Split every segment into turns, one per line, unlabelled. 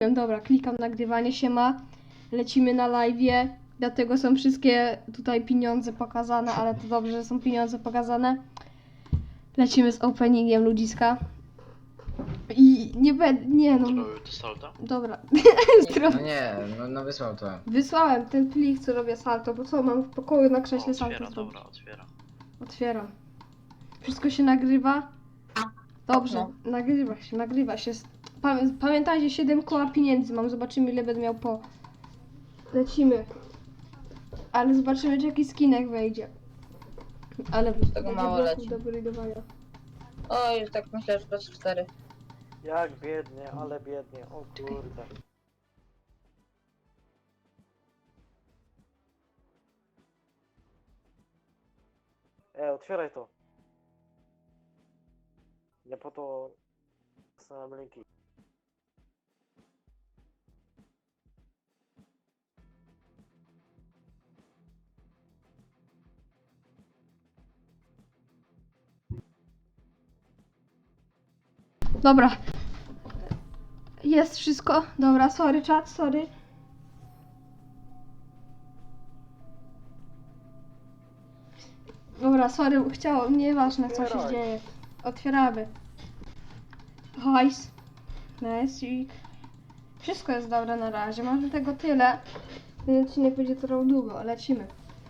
Dobra, klikam nagrywanie się ma. Lecimy na live'ie. Dlatego są wszystkie tutaj pieniądze pokazane, ale to dobrze, że są pieniądze pokazane. Lecimy z openingiem ludziska. I nie będę. Nie no.
Zrobił to salto?
Dobra.
No nie, no wysłał to.
Wysłałem ten plik, co robię salto, bo co mam w pokoju na krześle salto
Otwiera,
zrobić.
dobra, otwiera.
Otwieram. Wszystko się nagrywa? Dobrze, nagrywa się. Pamiętajcie, 7 koła pieniędzy mam, zobaczymy ile będę miał po. Lecimy. Ale zobaczymy, czy jakiś skinek wejdzie. Ale
tego mało leci.
do wyrydowania.
O, już tak myślę, że plus 4.
Jak biednie, ale biednie, o kurde. Otwieraj to. Nie po to są linki.
Dobra. Jest wszystko. Dobra, sorry czat, sorry. Dobra, sorry, nieważne co się
Otwieraj.
dzieje. Otwieramy. Hajs. Nice. Wszystko jest dobre na razie. Mam do tego tyle. Ten odcinek będzie trwał długo, lecimy.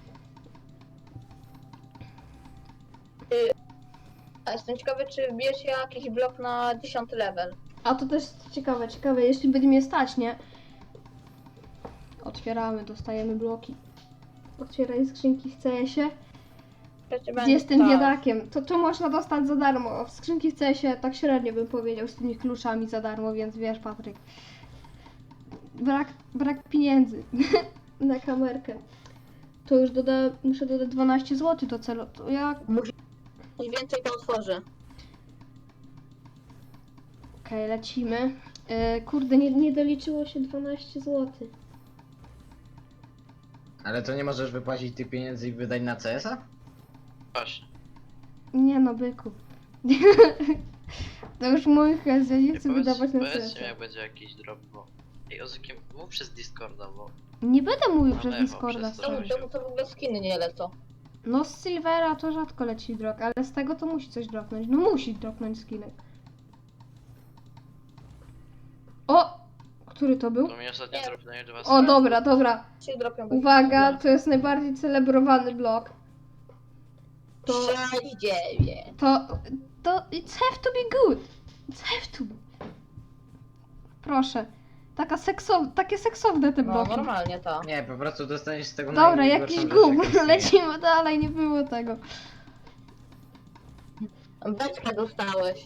A jestem ciekawy, czy wbijesz jakiś blok na 10 level.
A to też ciekawe, jeśli będzie mnie stać, nie? Otwieramy, dostajemy bloki. Otwieraj skrzynki w CS-ie.
Będzie
Jestem
tak.
biedakiem. To można dostać za darmo. W skrzynki w CS-ie tak średnio bym powiedział z tymi kluczami za darmo, więc wiesz, Patryk. Brak pieniędzy na kamerkę. To już muszę dodać 12 zł do celu. To jak?
Coś więcej to otworzę.
Okej, lecimy. Kurde, nie doliczyło się 12 zł.
Ale to nie możesz wypłacić tych pieniędzy i wydać na CS-a?
Właśnie.
Nie no, byku. To już mój hez, ja nie chcę wydawać na
Powiedzcie
CS.
mi, jak będzie jakiś drop, bo... Ej, Ozykiem, mów przez Discorda, bo...
Nie będę mówił
No
przez
lewo,
Discorda.
przez to.
sorry.
Czemu to w ogóle skiny nie lecą?
No z Silvera to rzadko leci drop, ale z tego to musi coś dropnąć. No musi dropnąć skinek. O! Który to był?
To mi ostatnio
Nie.
dropnęli 2
O, dobra.
Się dropią.
Uwaga, to jest najbardziej celebrowany blok. To...
6-9.
To... It's have to be good. It's have to be. Proszę. Takie seksowne te
No,
bloki.
normalnie to.
Nie, po prostu dostaniesz z tego
Dobra,
najgorszą
jakiś
rzecz,
gówno.
jaka istnieje.
Lecimy dalej, nie było tego.
Beczkę dostałeś.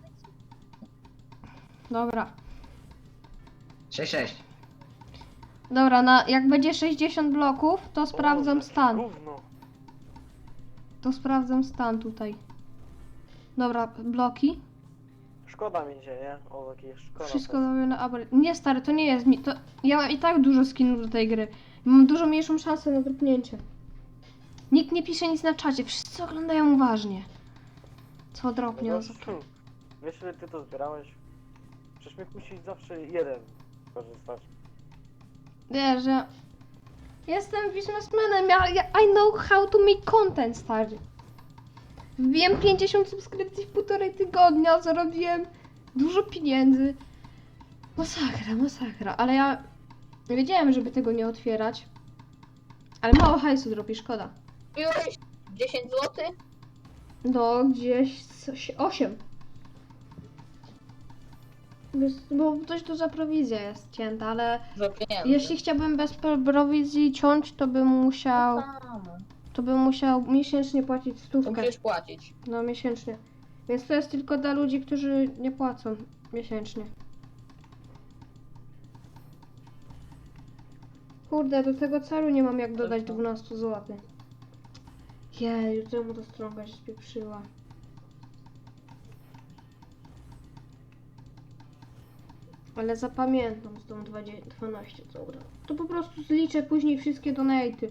Dobra.
6-6.
Dobra, jak będzie 60 bloków, to sprawdzam
Boże,
stan.
Gówno.
To sprawdzam stan tutaj. Dobra, bloki.
Szkoda mi się, nie? O, jakieś szkoda.
Wszystko robię na abry. Nie stary, to nie jest mi. To... Ja mam i tak dużo skinów do tej gry. Mam dużo mniejszą szansę na dropnięcie. Nikt nie pisze nic na czacie, wszyscy oglądają uważnie. Co dropnie?
No, wiesz, ile ty to zbierałeś? Przecież mi musi zawsze jeden korzystać.
Wiesz, że... Jestem biznesmenem, I know how to make content, stary. Wbiłem 50 subskrypcji w 1,5 tygodnia, zarobiłem dużo pieniędzy. Masakra, ale ja wiedziałem, żeby tego nie otwierać. Ale mało hajsu dropi, szkoda.
Wbiłeś 10 zł?
No, gdzieś 8. Bo dość duża prowizja jest cięta, ale
Za pieniędzy.
jeśli chciałbym bez prowizji ciąć, to bym musiał... miesięcznie płacić
To
100.
musisz płacić.
No, miesięcznie. Więc to jest tylko dla ludzi, którzy nie płacą miesięcznie. Kurde, do tego celu nie mam jak dodać 12 zł. Jej, czemu ta strąga się spieprzyła? Ale zapamiętam z tą 12, dobra. To po prostu zliczę później wszystkie donaty.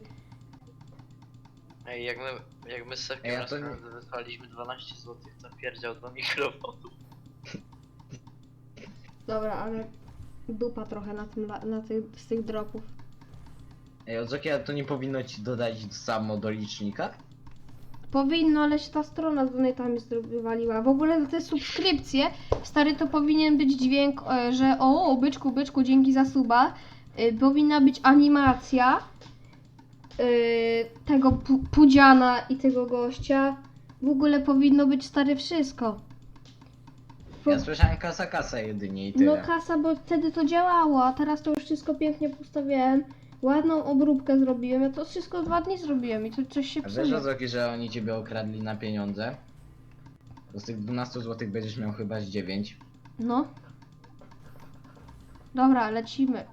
Ej, jak my z Sefkiem
Ej, a
raz
to nie-
wysłaliśmy 12 zł za pierdział do mikrofonu.
Dobra, ale dupa trochę na tym, z tych dropów.
Ej, Ozoki, a to nie powinno ci dodać samo do licznika?
Powinno, ale się ta strona z donatami wywaliła. W ogóle za te subskrypcje, stary, to powinien być dźwięk, że o, byczku, byczku, dzięki za suba. Powinna być animacja tego Pudziana i tego gościa. W ogóle powinno być, stary, wszystko.
Ja słyszałem kasa jedynie i
No
tyle.
kasa, bo wtedy to działało, a teraz to już wszystko pięknie postawiłem. Ładną obróbkę zrobiłem, ja to wszystko 2 dni zrobiłem i to coś się
A wiesz,
psuje.
Ozoki, że oni ciebie okradli na pieniądze? To z tych 12 zł będziesz miał chyba z 9.
No. Dobra, lecimy.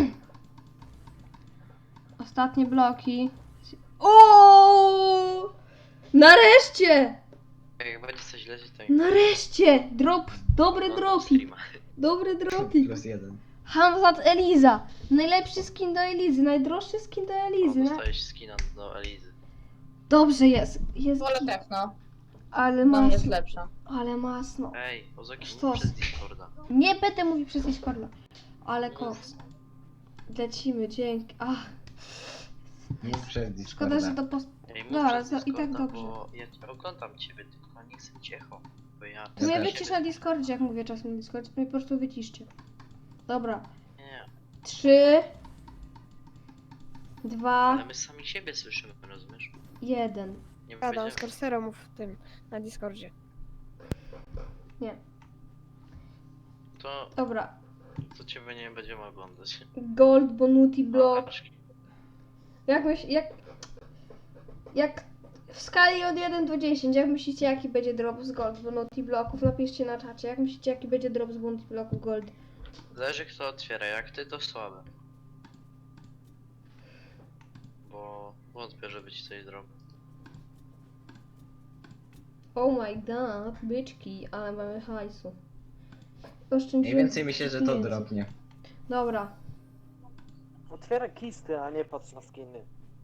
Ostatnie bloki. O! Nareszcie!
Jak będzie coś lecieć, to
Nareszcie! Drop, dobry
no,
dropik.
streama.
Dobry dropik.
+1.
Hamzat Eliza. Najlepszy skin do Elizy, najdroższy skin do
O,
Elizy.
dostajesz skina do Elizy.
Dobrze jest. Jest
Wolę
git.
Techno.
Ale
Dla mnie jest
masno.
lepsza.
Ale masno.
Ej, Ozoki,
Sztos.
mów przez Discorda.
Nie będę mówił przez Discorda. Ale koks. Lecimy, dzięki. Ach,
Mów przez Discorda.
szkoda, że to post...
Ej, mów
Dobra,
przez
to i tak
Discorda,
dobrze.
bo ja cię oglądam ciebie, tylko nie chcę cicho. Bo ja...
To mnie
też.
wycisz na Discordzie, jak mówię czasem na Discordzie, to mnie po prostu wyciszcie. Dobra.
Nie,
3, 2,
ale my sami siebie słyszymy, rozumiesz?
1.
Nie
Gadam z
będziemy...
Corserą w tym, na Discordzie.
Nie.
To
Dobra.
ciebie nie będziemy oglądać.
Gold, Bonuti, Block.
Paczki.
Jak w skali od 1 do 10, jak myślicie, jaki będzie drop z Gold, Bonuti, Blocków? Napiszcie na czacie. Jak myślicie, jaki będzie drop z Bonuti, Blocków, Gold?
Zależy kto otwiera, jak ty to słabe. Bo wątpię, żeby ci coś zrobił.
Oh my god, byczki, ale mamy hajsu. Oszczędziłem
Mniej więcej myślę, że to
pieniędzy.
dropnie.
Dobra.
Otwieraj kisty, a nie patrz na skiny.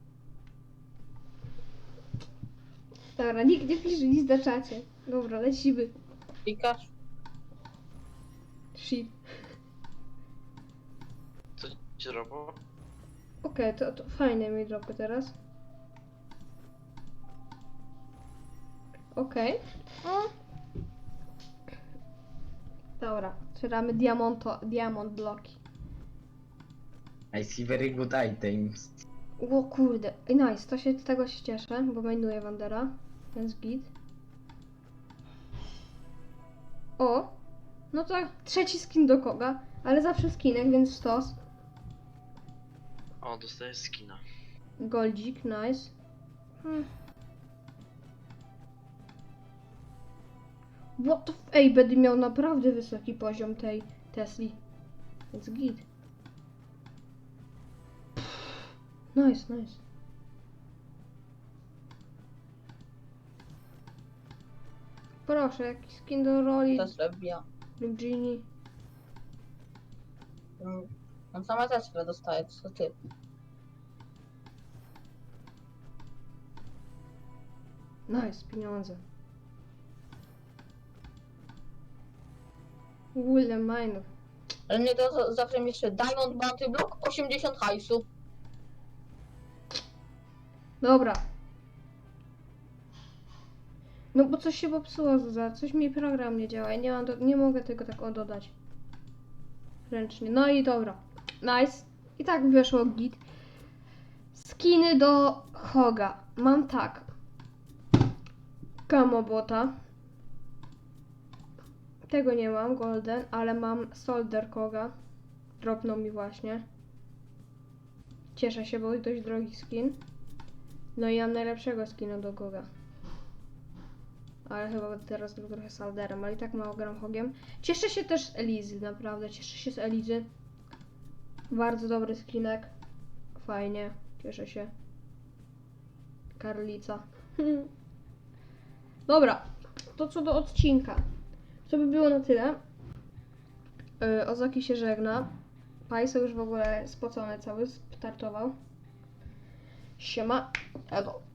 Dobra, nikt nie pisze nic na czacie. Dobra, lecimy.
Klikasz?
Shit.
Co ci zrobiło?
Okej, to fajne mi dropy teraz. Okej. O. Dobra, otwieramy diamond bloki.
I see very good items.
O kurde, ej, nice, z tego się cieszę, bo mainuję Wandera, więc git. O, no to trzeci skin do koga, ale zawsze skinek, więc stos.
O, dostajesz skina.
Goldzik, nice. What the ej, będę miał naprawdę wysoki poziom tej Tesli. Więc git. Nice, nice. Proszę, jakiś skin do roli
To zrobiła.
Genie.
On sama Tesla dostaje, co ty?
Nice, pieniądze. Ile minów.
Ale nie to zawsze mi jeszcze Diamond Bounty Block 80 hajsu.
Dobra. No bo coś się popsuło, Zuza. Coś mi program nie działa. Ja nie mam nie mogę tego tak dodać. Ręcznie. No i dobra. Nice. I tak wyszło git. Skiny do Hoga. Mam tak. Kamobota. Tego nie mam, Golden, ale mam Soldier Koga. Dropnął mi właśnie. Cieszę się, bo jest dość drogi skin. No i mam najlepszego skina do Goga. Ale chyba teraz trochę Solderem, ale i tak mało gram Hogiem. Cieszę się też z Elizy, naprawdę. Cieszę się z Elizy. Bardzo dobry skinek. Fajnie. Cieszę się. Karlica. Dobra. To co do odcinka. To by było na tyle. Ozoki się żegna. Pajso już w ogóle spocony cały, startował. Siema. Edo.